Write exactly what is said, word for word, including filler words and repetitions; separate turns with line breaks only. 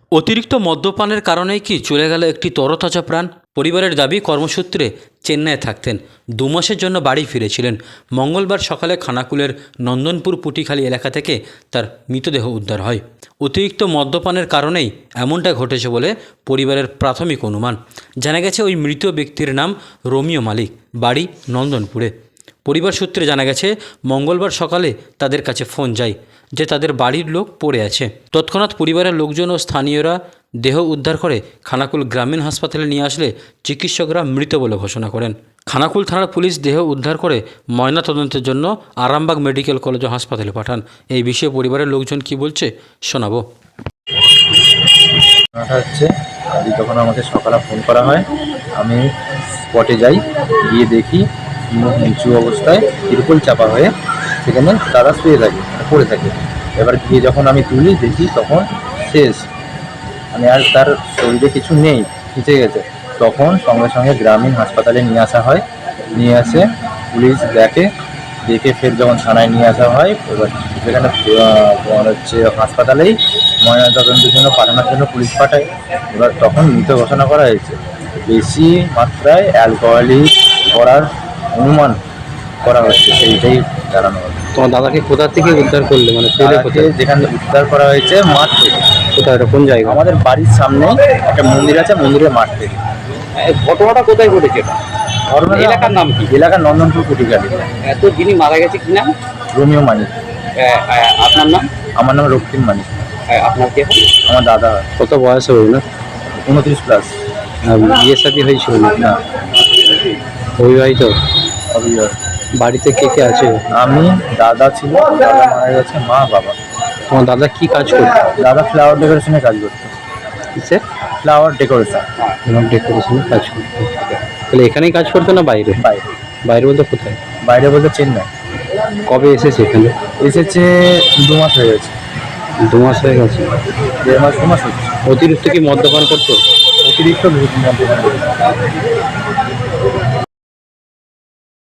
অতিরিক্ত মদ্যপানের কারণেই কি চলে গেল একটি তরতাজা প্রাণ? পরিবারের দাবি, কর্মসূত্রে চেন্নাইয়ে থাকতেন, দু মাসের জন্য বাড়ি ফিরেছিলেন। মঙ্গলবার সকালে খানাকুলের নন্দনপুর পুটিখালি এলাকা থেকে তার মৃতদেহ উদ্ধার হয়। অতিরিক্ত মদ্যপানের কারণেই এমনটা ঘটেছে বলে পরিবারের প্রাথমিক অনুমান। জানা গেছে ওই মৃত ব্যক্তির নাম রোমিও মালিক, বাড়ি নন্দনপুরে। পরিবার সূত্রে জানা গেছে মঙ্গলবার সকালে তাদের কাছে ফোন যায় যে তাদের বাড়ির লোক পড়ে আছে। তৎক্ষণাৎ পরিবারের লোকজন ও স্থানীয়রা দেহ উদ্ধার করে খানাকুল গ্রামীণ হাসপাতালে নিয়ে আসলে চিকিৎসকরা মৃত বলে ঘোষণা করেন। খানাকুল থানার পুলিশ দেহ উদ্ধার করে ময়নাতদন্তের জন্য আরামবাগ মেডিকেল কলেজ ও হাসপাতালে পাঠান। এই বিষয়ে পরিবারের লোকজন কি বলছে শোনাবো।
হচ্ছে আজ যখন আমাকে সকালে ফোন করা হয়, আমি স্পটে যাই, গিয়ে দেখি মুখ নিচু অবস্থায় তিরপল চাপা হয়ে সেখানে দাদা শুয়ে থাকে, পড়ে থাকে। এবার গিয়ে যখন আমি তুলি দেখি তখন শেষ, মানে আর তার শরীরে কিছু নেই, খিচে গেছে। তখন সঙ্গে সঙ্গে গ্রামীণ হাসপাতালে নিয়ে আসা হয়। নিয়ে আসে পুলিশ দেখে, দেখে ফের যখন থানায় নিয়ে আসা হয়, এবার সেখানে হচ্ছে হাসপাতালেই ময়নাতদন্তের জন্য পাঠানোর জন্য পুলিশ পাঠায়। এবার তখন মৃত ঘোষণা করা হয়েছে। বেশি মাত্রায় অ্যালকোহলিক করার অনুমান করা হচ্ছে, সেইটাই জানানো হবে।
তোমার দাদাকে কোথা থেকে উদ্ধার করলে, মানে ফেলে কোথায়?
যেখানে উদ্ধার করা হয়েছে মাঠ থেকে।
কোথায়, এটা কোন জায়গা?
আমাদের বাড়ির সামনে একটা মন্দির আছে, মন্দিরের মাঠ থেকে।
ঘটনাটা কোথায় ঘটেছে?
ঘটনা
এলাকার নাম কি?
এলাকার নন্দনপুর কুটিকালি।
এত যিনি মারা গেছে কি নাম?
রোমিও মানিক।
আপনার নাম?
আমার নাম রক্তিম মানিক।
আপনার কে?
আমার দাদা।
কত বয়স হবে না?
উনত্রিশ প্লাস।
বিয়ে শাদী হয়েছিল না?
না,
অবিবাহিত।
অবিবাহিত।
বাড়িতে কে কে আছে?
আমি, দাদা ছিল, দাদা মারা গেছে, মা, বাবা।
তোমার দাদা কি কাজ করতো?
দাদা ফ্লাওয়ার ডেকোরেশনে কাজ করতো।
কিসে?
Flower decoration.
ডেকোরেশনে কাজ করতো। তাহলে এখানেই কাজ করতো না বাইরে?
বাইরে।
বাইরে বলতে কোথায়?
বাইরে বলতে চেন্নাই।
কবে এসেছে এখানে?
এসেছে দু মাস হয়ে গেছে।
দু মাস হয়ে গেছে।
দেড় মাস দু মাস হচ্ছে।
অতিরিক্ত কি মদ্যপান করতো?
অতিরিক্ত মদ্যপান করতো।